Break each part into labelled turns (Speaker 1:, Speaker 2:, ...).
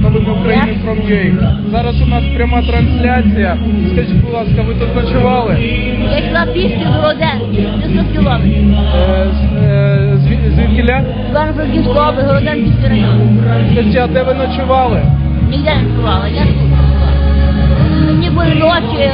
Speaker 1: новини України from.ua. Зараз у нас пряма трансляція. Скажіть, будь ласка, ви тут ночували?
Speaker 2: Я йшла пішки до Городенки, 500 кілометрів.
Speaker 1: Звідкіля?
Speaker 2: Івано-Франківська область, Городенківський район.
Speaker 1: Скажіть, а де ви ночували?
Speaker 2: Ніде не ночувала, я тут ночувала. Мені були ночі,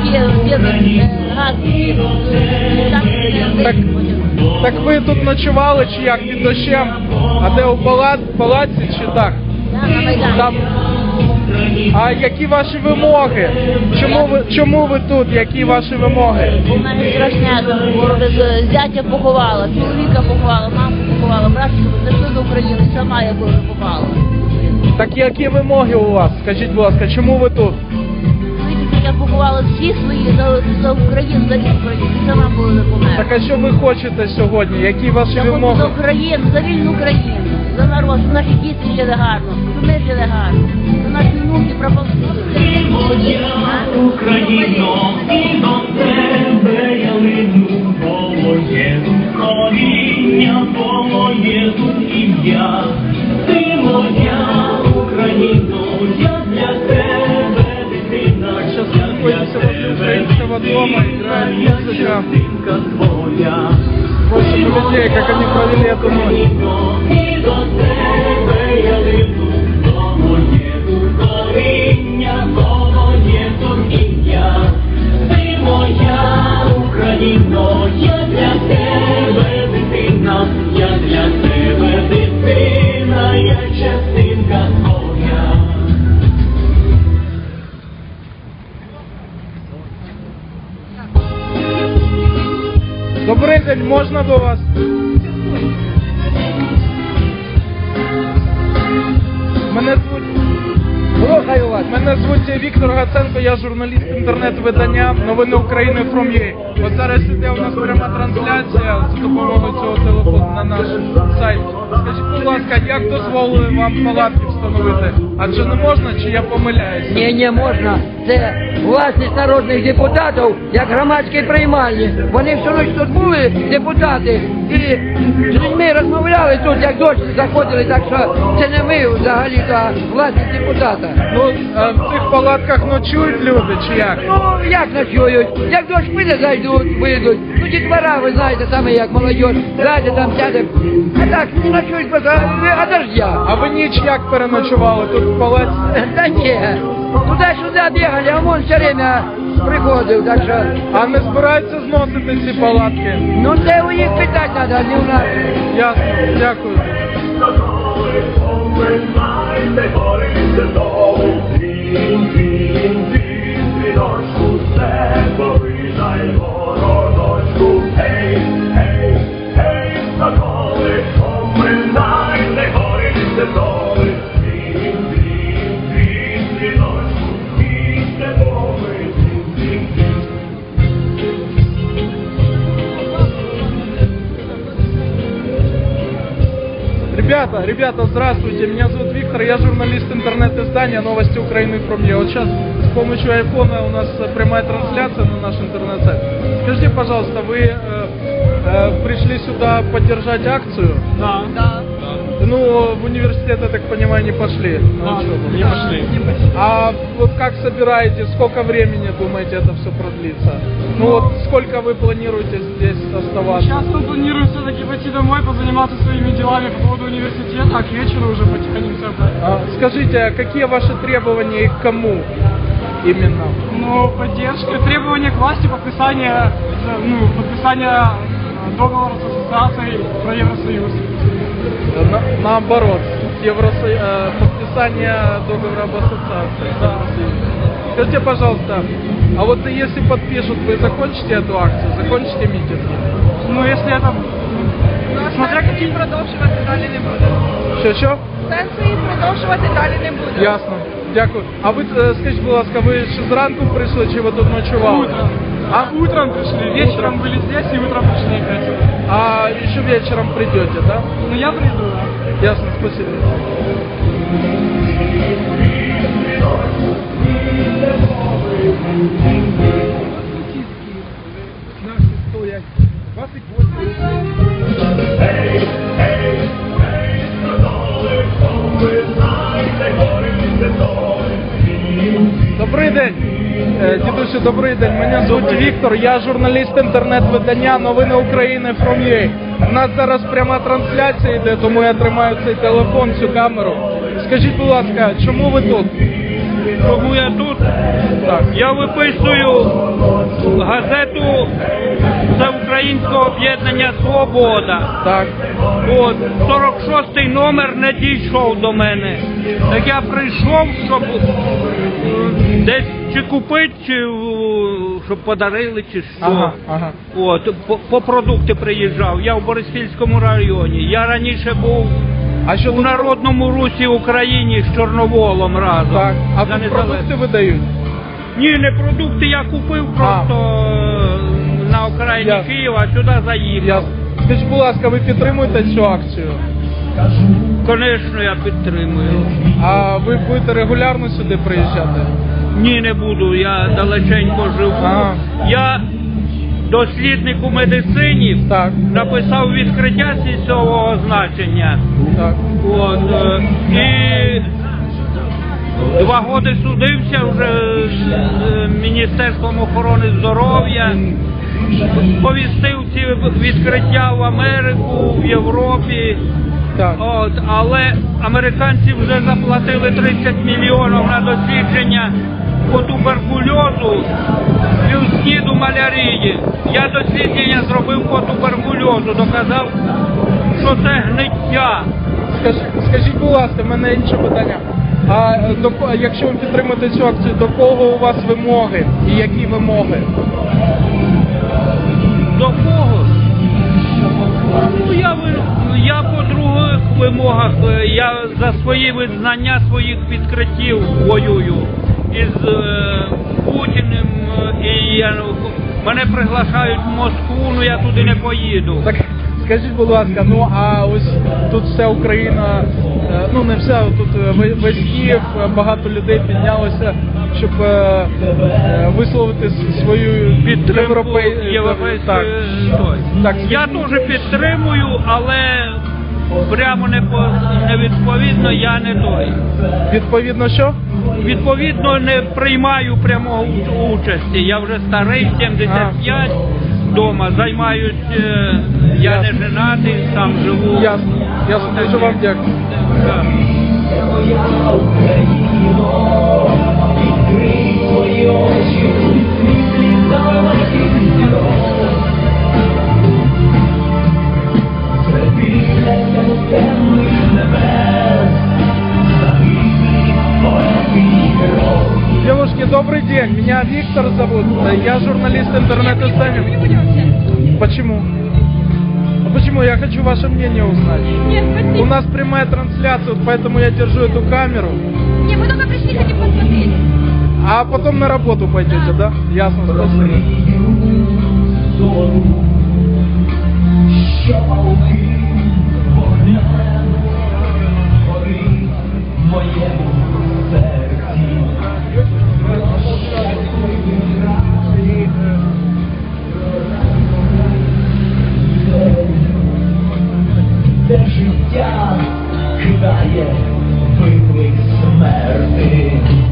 Speaker 1: Так ви тут ночували чи як, під дощем? А де у палаці чи так?
Speaker 2: Так, на Майдані.
Speaker 1: Там. А які ваші вимоги? Чому ви тут? Які ваші вимоги?
Speaker 2: У мене страшне, зятя поховала, чоловіка поховала, маму поховала, братчика, це все з України, сама я теж попала.
Speaker 1: Так які вимоги у вас? Скажіть, будь ласка, чому ви тут?
Speaker 2: Я поховала всі свої за Україну, за Україну, сама була не померла.
Speaker 1: Так а що ви хочете сьогодні? Які ваші
Speaker 2: Я хочу
Speaker 1: вимоги?
Speaker 2: за Україну, за вільну Україну, за народ, щоб наші діти жили гарно, щоб ми жили гарно, щоб наші внуки прабабусі.
Speaker 3: Україно, і до тебе я лину, бо є тут коріння, бо є тут ім'я. Ти моя Україно, я для тебе дитина,
Speaker 1: Сейчас находимся возле украинского дома, играет музыка. Просим людей, как они провели эту ночь.
Speaker 3: І до тебе я лину, бо є тут коріння, бо є тут ім'я. Ти моя Україно, я для тебе дитина, я для тебе дитина, я частинка твоя.
Speaker 1: Добрий день, можна до вас? Мене звуть Віктор Гаценко, я журналіст інтернет-видання «Новини України from.ua». От зараз іде у нас пряма трансляція за допомогою цього телефону на наш сайт. Скажіть, будь ласка, як дозволили вам палатки встановити? Адже не можна, чи я помиляюся?
Speaker 4: Ні, не можна. Це власність народних депутатів, як громадські приймальні. Вони всю ніч тут були, депутати, і з людьми розмовляли тут, як дощ заходили, так що це не ми взагалі, а власність депутата.
Speaker 1: Ну, в цих палатках ночують люди, чи як?
Speaker 4: Ну, як ночують? Як дощ піде, зайдуть, вийдуть. Ну, дітвора, ви знаєте, саме як молодь, зайде там, сяде. А так, не ночують просто, а дождя.
Speaker 1: А ви ніч як переночували тут в палаці?
Speaker 4: Та ні, туди-сюди бігали, а он все время приходив, так що...
Speaker 1: А не збираються зносити ці палатки?
Speaker 4: Ну це у них питати треба, не у нас.
Speaker 1: Ясно, дякую. Ребята, здравствуйте, меня зовут Виктор, я журналист интернет-издания «Новости Украины from.ua». Вот сейчас с помощью айфона у нас прямая трансляция на наш интернет-сайт. Скажите, пожалуйста, вы пришли сюда поддержать акцию?
Speaker 5: Да.
Speaker 1: Ну, в университет, я так понимаю, не пошли на учебу?
Speaker 5: Не пошли.
Speaker 1: А вот как собираете, сколько времени, думаете, это все продлится? Ну вот, сколько вы планируете здесь оставаться?
Speaker 5: Сейчас мы планируем все-таки пойти домой, позаниматься своими делами по поводу университета, а к вечеру уже потихоньку
Speaker 1: Скажите, а какие ваши требования и к кому именно?
Speaker 5: Ну, поддержка, требования к власти, подписание договора с ассоциацией про Евросоюз.
Speaker 1: Наоборот, подписание договора об ассоциации.
Speaker 5: Да.
Speaker 1: Скажите, пожалуйста, а вот если подпишут, вы закончите эту акцию, закончите митинг?
Speaker 5: Ну, если это... Смотря какие...
Speaker 6: Продовжувати далі не буде.
Speaker 1: Що?
Speaker 6: Сенсу їх продовжувати далі не буде.
Speaker 1: Ясно. Дякую. А ви, скажіть, будь ласка, ви ще зранку прийшли, чи ви тут ночували?
Speaker 5: Утром. Утром пришли, вечером были здесь и утром пришли опять.
Speaker 1: А еще вечером придете, да?
Speaker 5: Ну, я приду, да.
Speaker 1: Ясно, спасибо. Наши стоят 28. Добрий день. Дідусю, добрий день. Мене звуть Віктор, я журналіст інтернет-видання «Новини України from.ua». У нас зараз пряма трансляція йде, тому я тримаю цей телефон, цю камеру. Скажіть, будь ласка, чому ви тут?
Speaker 7: Чому я тут?
Speaker 1: Так.
Speaker 7: Я виписую газету Всеукраїнського об'єднання «Свобода».
Speaker 1: Так.
Speaker 7: От, 46-й номер не дійшов до мене. Так я прийшов, щоб десь чи купити, чи щоб подарили, чи що.
Speaker 1: Ага.
Speaker 7: От, по продукти приїжджав. Я в Бориспільському районі. Я раніше був
Speaker 1: А що
Speaker 7: у
Speaker 1: тут?
Speaker 7: Народному Русі Україні з Чорноволом разом.
Speaker 1: Так. А
Speaker 7: За
Speaker 1: тут
Speaker 7: незалежність.
Speaker 1: продукти видають?
Speaker 7: Ні, не продукти я купив просто на окраїні
Speaker 1: Ясно.
Speaker 7: Києва, сюди заїхав.
Speaker 1: Ясно. Скажіть, будь ласка, ви підтримуєте цю акцію?
Speaker 7: Звісно, я підтримую.
Speaker 1: А ви будете регулярно сюди приїжджати?
Speaker 7: Ні, не буду, я далеченько живу.
Speaker 1: Ага.
Speaker 7: Я дослідник у медицині,
Speaker 1: Так.
Speaker 7: написав відкриття сільського значення.
Speaker 1: Так.
Speaker 7: От, і 2 роки судився вже з Міністерством охорони здоров'я. Повістив ці відкриття в Америку, в Європі.
Speaker 1: Так.
Speaker 7: От, але американці вже заплатили 30 мільйонів на дослідження по туберкульозу, плюс малярії. Я дослідження зробив по туберкульозу, доказав, що це гниття.
Speaker 1: Скажіть, будь ласка, в мене інше питання. А якщо ви підтримуєте цю акцію, до кого у вас вимоги і які вимоги?
Speaker 7: До кого? Ну, я по других вимогах, я за свої визнання своїх відкриттів воюю із Путіним, і мене приглашають в Москву, ну я туди не поїду.
Speaker 1: Так, скажіть, будь ласка, ну а ось тут вся Україна, ну не вся, тут весь Київ, багато людей піднялося, щоб висловити свою
Speaker 7: Підтримку європейської.
Speaker 1: Так. Так,
Speaker 7: Я теж підтримую, але прямо не відповідно я не той.
Speaker 1: Відповідно, що?
Speaker 7: Відповідно, не приймаю прямого участі. Я вже старий, 75, вдома, займаюсь, я не женатий, сам живу.
Speaker 1: Ясно, дуже вам дякую.
Speaker 7: Так.
Speaker 3: Відкрий свої очі, світлі далеких зірок. Це біляться темних небес, загиблі поети герої.
Speaker 1: Девушки, добрый день. Меня Виктор зовут. Я журналист интернет-издания. Почему? А почему? Я хочу ваше мнение узнать.
Speaker 6: Нет, спасибо.
Speaker 1: У нас прямая трансляция, вот поэтому я держу эту камеру.
Speaker 6: Не, мы только пришли, хотим посмотреть.
Speaker 1: А потом на работу пойдете, да? Ясно, спасибо.
Speaker 3: Що палки вогнем горить в моєму серці. Де життя кидає виклик смерти.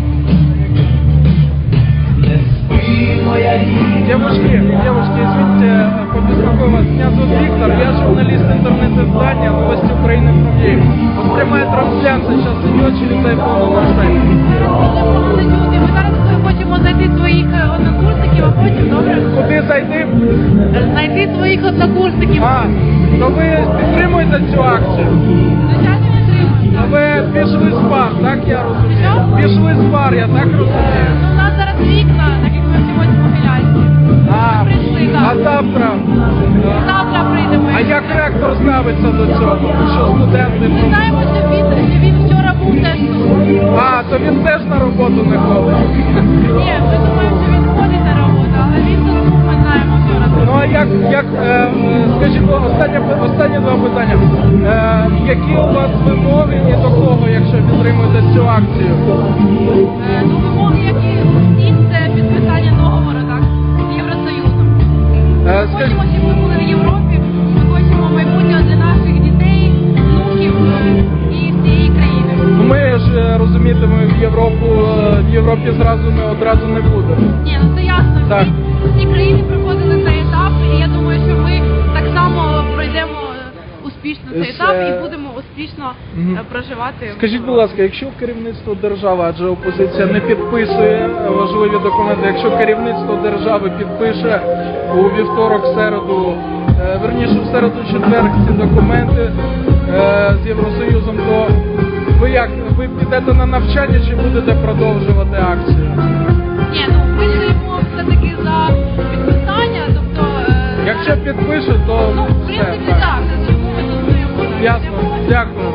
Speaker 3: Не спи, моя рідна.
Speaker 1: Девушки, извините, побеспокою вас. Меня зовут Виктор, я журналист интернет-издания «Новости Украины from.ua». Вот прямая трансляция сейчас идет через iPhone на сайте.
Speaker 6: Ми зараз хочемо знайти своїх однокурсників, а потім, добре?
Speaker 1: Куди зайти?
Speaker 6: Знайти своїх однокурсників.
Speaker 1: А, то ви підтримуєте цю акцію?
Speaker 6: Звичайно, не тримаємо.
Speaker 1: А ви пішли з бар, так я розумію?
Speaker 6: Що?
Speaker 1: Пішли з бар, я так розумію.
Speaker 6: Ну, у нас зараз вікна, так як ми сьогодні в Могилянці.
Speaker 1: А,
Speaker 6: прийшли, так.
Speaker 1: а завтра?
Speaker 6: Завтра прийдемо.
Speaker 1: А як ректор ставиться до цього? Що студенти?
Speaker 6: Ми знаємо, що він вчора був теж тут.
Speaker 1: А, то він теж на роботу не ходить.
Speaker 6: Ні, ми думаємо, що він ходить на роботу, але він тут був, ми знаємо вчора.
Speaker 1: Ну а як скажіть, останнє два питання. Які у вас вимоги і до кого, якщо підтримуєте цю акцію?
Speaker 6: Ну, вимоги, які всіх, це підписання договору, так, з Євросоюзом. Ми
Speaker 1: Скажіть,
Speaker 6: хочемо, щоб ми були в Європі, ми хочемо майбутнього для наших дітей, внуків і всієї країни.
Speaker 1: ми ж розумієте, ми в Європі зразу ми одразу не будемо.
Speaker 6: Ні, ну це ясно.
Speaker 1: Так.
Speaker 6: Всі країни проходили цей етап, і я думаю, що ми так само пройдемо успішно цей етап і будемо успішно проживати.
Speaker 1: Скажіть, будь ласка, якщо керівництво держави, адже опозиція не підписує важливі документи, якщо керівництво держави підпише у вівторок, середу, верніше в середу, четвер ці документи з Євросоюзом, то ви як? Ви підете на навчання чи будете продовжувати акцію?
Speaker 6: Ні, ну ми стоїмо все-таки за підписання, тобто...
Speaker 1: Якщо підпишуть, то
Speaker 6: Ну, в
Speaker 1: все.
Speaker 6: принципі, так, тому ми тут стоїмо.
Speaker 1: Ясно, дякую.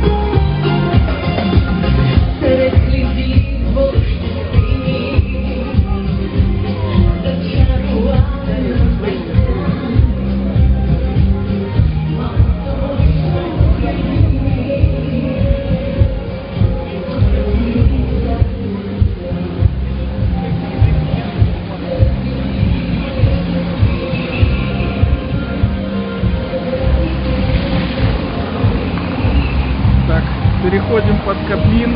Speaker 3: Серед слідів борщини зачарувати
Speaker 1: Так, переходим под Кабмин.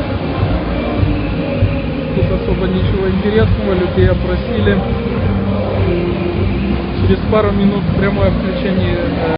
Speaker 1: Тут особо ничего интересного, людей опросили. Через пару минут прямое включение